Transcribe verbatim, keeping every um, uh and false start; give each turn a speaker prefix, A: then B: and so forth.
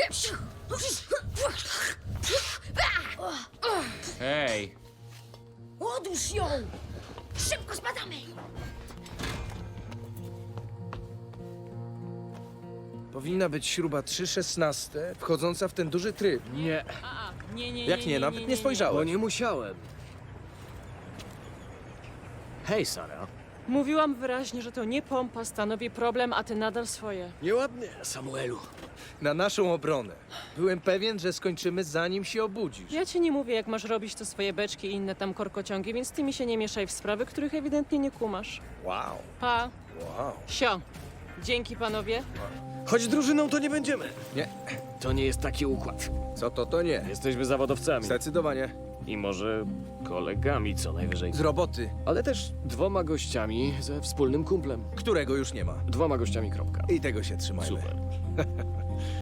A: Hej,
B: Odłóż ją! Szybko spadamy!
C: Powinna być śruba trzy szesnaste, wchodząca w ten duży tryb.
D: Nie,
E: A, nie, nie,
C: Jak nie, nawet nie
D: bo
C: spojrzałem.
D: nie musiałem. Hej, Sara.
E: Mówiłam wyraźnie, że to nie pompa stanowi problem, a ty nadal swoje.
D: Nieładnie, Samuelu.
C: Na naszą obronę. Byłem pewien, że skończymy zanim się obudzisz.
E: Ja ci nie mówię, jak masz robić to swoje beczki i inne tam korkociągi, więc ty mi się nie mieszaj w sprawy, których ewidentnie nie kumasz.
C: Wow,
E: Pa,
C: wow.
E: sio. Dzięki, panowie.
D: Choć drużyną to nie będziemy.
C: Nie,
D: To nie jest taki układ.
C: co to, to nie.
D: Jesteśmy zawodowcami.
C: Zdecydowanie.
D: I może kolegami co najwyżej.
C: Z roboty,
D: Ale też dwoma gościami ze wspólnym kumplem.
C: którego już nie ma.
D: Dwoma gościami, kropka.
C: I tego się trzymajmy.
D: Super.